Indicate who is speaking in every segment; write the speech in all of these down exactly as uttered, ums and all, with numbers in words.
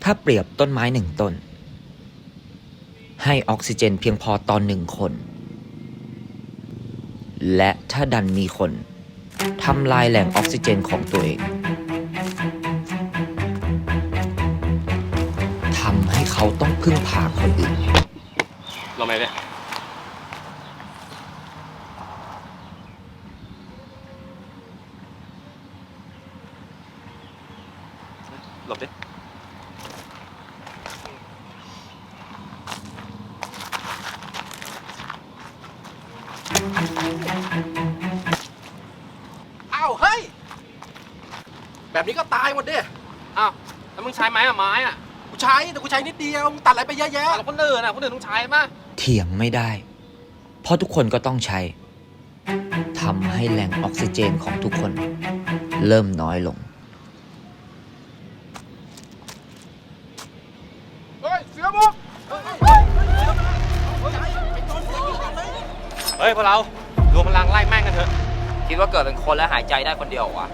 Speaker 1: ถ้าเปรียบต้นไม้หนึ่งต้นให้ออกซิเจนเพียงพอต่อหนึ่งคนและถ้าดันมีคนทำลายแหล่งออกซิเจนของตัวเองทำให้เขาต้องพึ่งพาคนอื่น
Speaker 2: เราไหมเนี่ยหลบดิ
Speaker 3: อ้าวเฮ้ยแบบนี้ก็ตายหมดดิ
Speaker 2: อ้าวแล้วมึงใช้ไม้อะไม้อะ
Speaker 3: กูใช้แต่กูใช้นิดเดียวมึงตัดอะไรไปเยอะแยะ
Speaker 2: แล้วคนอื่นอะคนอื่นต้องใช้มั้ย
Speaker 1: เถียงไม่ได้เพราะทุกคนก็ต้องใช้ทำให้แหล่งออกซิเจนของทุกคนเริ่มน้อยลง
Speaker 3: เฮ้ยเสือมุก
Speaker 2: เฮ้ยพวกเรารวมพลังไล่แม่งกันเถอะ
Speaker 4: คิดว่าเกิดเป็นคนแล้วหายใจได้คนเดียววะ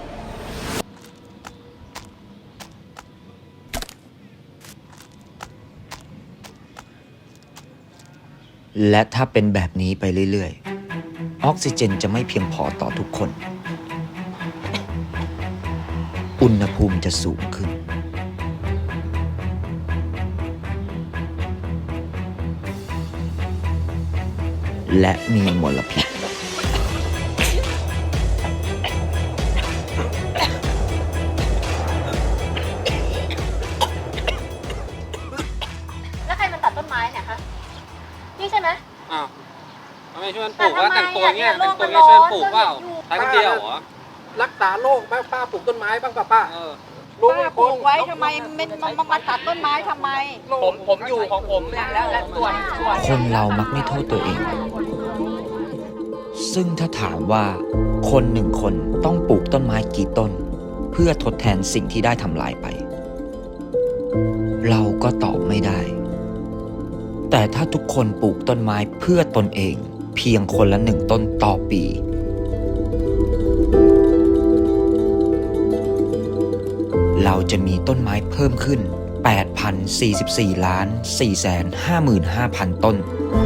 Speaker 1: และถ้าเป็นแบบนี้ไปเรื่อยๆออกซิเจนจะไม่เพียงพอต่อทุกคนอุณหภูมิจะสูงขึ้นและมีมลพิษ
Speaker 5: แล้วใครมันตัดต้นไม้เนี่ยคะนี่ใช่ไหม
Speaker 2: อ้าวทำไมช่วยกันปลูกว่าแต่งตัวเงี้ยแต่งตัวเงี้ยช่วยกันปลูกเปล่าใช้คนเดียวเหรอ
Speaker 3: รักษาโรคป้าป้าปลูกต้นไม้บ้างป้าป้า
Speaker 2: เออ
Speaker 5: ป้าปลูกไว้ทำไมมันมามาตัดต้นไม้ทำไม
Speaker 4: ผมผมอยู่ของผมเนี่ยแล้วและส่วนส่วน
Speaker 1: คนเรามักไม่โทษตัวเองซึ่งถ้าถามว่าคนหนึ่งคนต้องปลูกต้นไม้กี่ต้นเพื่อทดแทนสิ่งที่ได้ทำลายไปเราก็ตอบไม่ได้แต่ถ้าทุกคนปลูกต้นไม้เพื่อตนเองเพียงคนละหนึ่งต้นต่อปีเราจะมีต้นไม้เพิ่มขึ้น แปดพันสี่สิบสี่ล้าน สี่แสนห้าหมื่นห้าพัน ต้น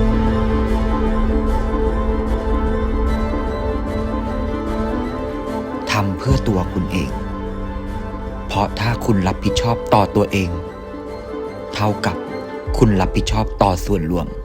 Speaker 1: ทำเพื่อตัวคุณเองเพราะถ้าคุณรับผิดชอบต่อตัวเองเท่ากับคุณรับผิดชอบต่อส่วนรวม